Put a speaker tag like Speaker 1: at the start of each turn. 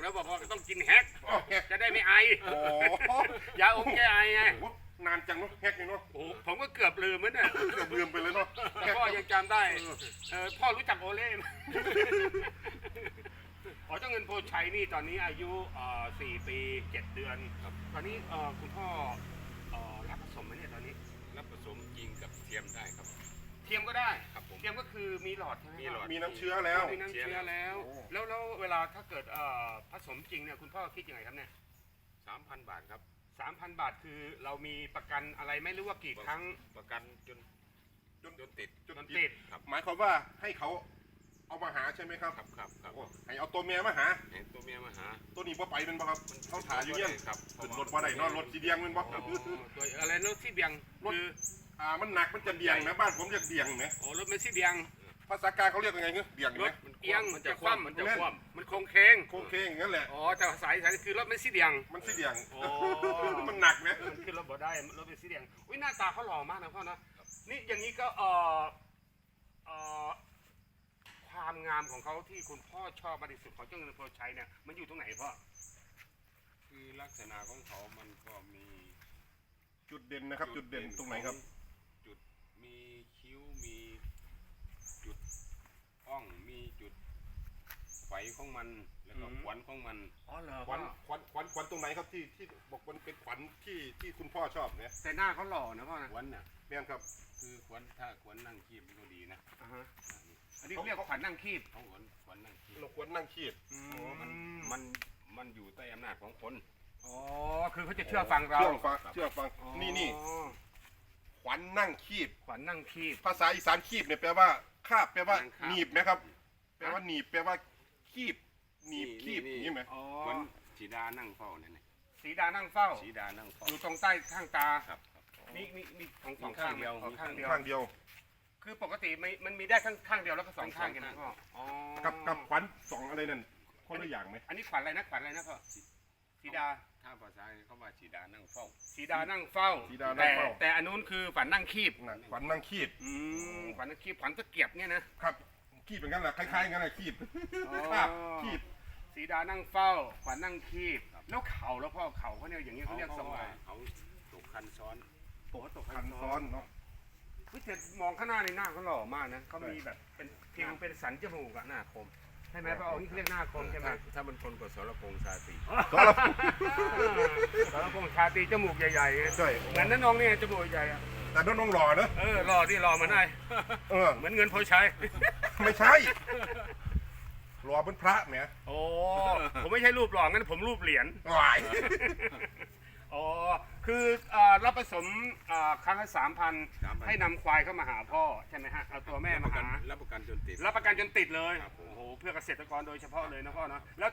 Speaker 1: แล้วบอกว่าต้องกินแฮก
Speaker 2: อ๋อแฮก
Speaker 1: จะได้ไม่ไอ
Speaker 2: โอ้
Speaker 1: ยาอมแก้ไอไง
Speaker 2: โหนานจังเนาะแฮกนี่เนาะ
Speaker 1: โอ้ผมก็เกือบลืมเหมือนกัน
Speaker 2: เกือบลืมไปเลยเนาะ
Speaker 1: แต่พ่อยังจำได้พ่อรู้จักโอเล่ไหมอ๋อเจ้าเงินโพชัยนี่ตอนนี้อายุ4 ปี 7 เดือนครับตอนนี้คุณพ่อรับผสมไหมเนี่ยตอนนี้
Speaker 3: รับผสมจริงกับเทียมได้ครับ
Speaker 1: เทียมก็ได้
Speaker 3: ครับผม
Speaker 1: เทียมก็คือมีหลอดใช่ไหม
Speaker 3: มีหลอด
Speaker 2: มีน้ำเชื้อแล้ว
Speaker 1: มีน้ำเชื้อแล้ว
Speaker 2: โอ้
Speaker 1: แล้วเวลาถ้าเกิดผสมจริงเนี่ยคุณพ่อคิดยังไงครับเนี่ย
Speaker 3: 3,000 บาทครับ
Speaker 1: 3,000 บาทคือเรามีประกันอะไรไม่รู้ว่ากี่ครั้ง
Speaker 3: ประกันจนติด
Speaker 1: จนติด
Speaker 3: ครับ
Speaker 2: หมายความว่าให้เขาเอามาหาใช่ไหมครับ
Speaker 3: ครับ
Speaker 2: โอ้ให้เอาตัวเมียมาหา
Speaker 3: เห็นตัวเมียมาหา
Speaker 2: ตัวนี้บ่ไปเป็นบ่ครับเขาถ่ายอยู่เนี่ย
Speaker 3: ครับ
Speaker 2: ขึ้นรถบ่ได้เนอนรถสีเดียงเป็นบ่
Speaker 1: อ๋อตัวอะไรรถที่เบียง
Speaker 2: รถ
Speaker 1: คือ
Speaker 2: มันหนักมันจะเดียงนะบ้านผมจะเดียงไหม
Speaker 1: โอ้รถเมสซี่เบียง
Speaker 2: ภาษากลางเขาเรียกยังไงเงี้ยเดียง
Speaker 1: ร
Speaker 2: ไหม
Speaker 1: ถเอียง
Speaker 3: มันจะคว่ำมันจะคว่ำ
Speaker 1: มันโค้งเคง
Speaker 2: โค้งเคงอย่างนั้นแหละ
Speaker 1: อ๋อแต่สายคือรถเมสซี่เบียง
Speaker 2: มันสีเดียง
Speaker 1: โอ้
Speaker 2: มันหนักไหม
Speaker 1: มันขึ้นรถบ่ได้รถเมสซี่เบียงอุ้ยหน้าตาเขาหล่อมากนะพ่อนะนี่อย่างนี้ก็ความงามของเขาที่คุณพ่อชอบมากที่สุดของเจ้าเงินโพชัยเนี่ยมันอยู่ตรงไหนพ่อ
Speaker 3: คือลักษณะของเขามันก็มี
Speaker 2: จุดเด่นนะครับ จุดเด่นตรงไหนครับ
Speaker 3: จุดมีคิ้วมีจุดอ่องมีจุดไฟของมันแล้วก็ขวัญของมัน
Speaker 1: อ๋อเหรอ
Speaker 2: ขวัญตรงไหนครับที่บอกมันเป็นขวัญที่คุณพ่อชอบเนี่ย
Speaker 1: แต่หน้าเขาหล่อนะพ่อนะ
Speaker 3: ขวัญน่ะ
Speaker 2: แม่นครับ
Speaker 3: คือขวัญถ้าขวัญนั่งคีบก็ดีนะ
Speaker 1: อ่าฮะอันนี้เรียกว่าขวัญนั่งคีบ
Speaker 3: เขาขวัญนั่งคีบ
Speaker 2: เราควรนั่งขีด
Speaker 3: โอ้มันอยู่ใต้อำนาจของคน
Speaker 1: อ๋อคือเขาจะเชื่อฟังเรา
Speaker 2: เชื่อฟัง
Speaker 1: อ๋อ
Speaker 2: นี่ขวัญนั่งขีด
Speaker 1: ขวัญนั่งคีบ
Speaker 2: ภาษาอีสานขีบเนี่ยแปลว่าคาบแปลว่า
Speaker 3: นั่งคาบ
Speaker 2: หนีบไหมครับ แปลว่าหนีบแปลว่าขีบหนีบขีบนี่ไหม
Speaker 1: อ๋อ
Speaker 3: เหมือนสีดานั่งเฝ้าเนี่ยนะ
Speaker 1: สีดานั่งเฝ้า
Speaker 3: สีดานั่งเฝ้า
Speaker 1: อยู่ตรงใต้ข้างตา
Speaker 3: ครับ
Speaker 1: มีของสอง
Speaker 3: มี
Speaker 1: ข้า
Speaker 3: ข้าง งเดียว
Speaker 1: อ๋อข้างเดียว
Speaker 2: ข้างเดียว
Speaker 1: คือปกติมันมีได้ข้างเดียวแล้วก็สองข้างกันนะพ่ออ๋อ
Speaker 2: กับขวัญสองอะไรนั่นคนละอย่างไหม
Speaker 1: อันนี้ขวัญอะไรนะขวัญอะไรนะพ่อสีดา
Speaker 3: ถ้าภาษาเขาว่าสีดานั่งเฝ้า
Speaker 1: สีดานั่งเฝ้า
Speaker 2: สีดานั่งเฝ้า
Speaker 1: แต่อันนู้นคือขวัญนั่งคีบ
Speaker 2: น่ะขวัญนั่งขีด
Speaker 1: ขวัญนั่งคีบขวัญตะเกียบเนี่ยนะครับ
Speaker 2: ขีดเป็นกันแหละคล้ายๆกันแหละขีด
Speaker 1: อ๋อ
Speaker 2: คาบขีด
Speaker 1: สีดานั่งเฝ้าขวัญนั่งคีบแล้วเข่าแล้วพ่อเข่าเขาเนี่ยอย่างนี้เขาเรียกทรงอะไร
Speaker 3: เขาตกคันซ้อน
Speaker 1: โอ้ตก
Speaker 2: คันซ้อนเนาะ
Speaker 1: วิแต่มองข้างหน้าในหน้าเขาหล่อมากนะเขามีแบบเป็นเพียงเป็นสันจมูกอะหน้าคมใช่ไหมพ่อนี่เขาเรียกหน้าคมใช่ไหม
Speaker 3: ถ้ามันคนกับสรพงษ์ชาตรี
Speaker 1: สารพงษ์ชาตรีจมูกใหญ่ๆไง
Speaker 2: ใช่
Speaker 1: เหมือนนั่นน้องเนี่ยจมูกใหญ่อะ
Speaker 2: แต่น้องหล่อเนอะ
Speaker 1: หล่อที่หล่อมาได้
Speaker 2: เออ
Speaker 1: เหมือนเงินโพชัย
Speaker 2: ไม่ใช่หล่อเป็นพระแหม
Speaker 1: โอ้ผมไม่ใช่รูปหล่องั้นผมรูปเหรียญ
Speaker 2: วาย
Speaker 1: อ๋อคือรับผสมครั้งละ3,000ให้นำควายเข้ามาหาพ่อใช่ไหมฮะเอาตัวแม่มาหา
Speaker 3: รับประกันจนติด
Speaker 1: รับประกันจนติดเลย
Speaker 3: ครับผม
Speaker 1: โอ้โหเพื่อเกษตรกรโดยเฉพาะเลยนะพ่อเนาะแล้ว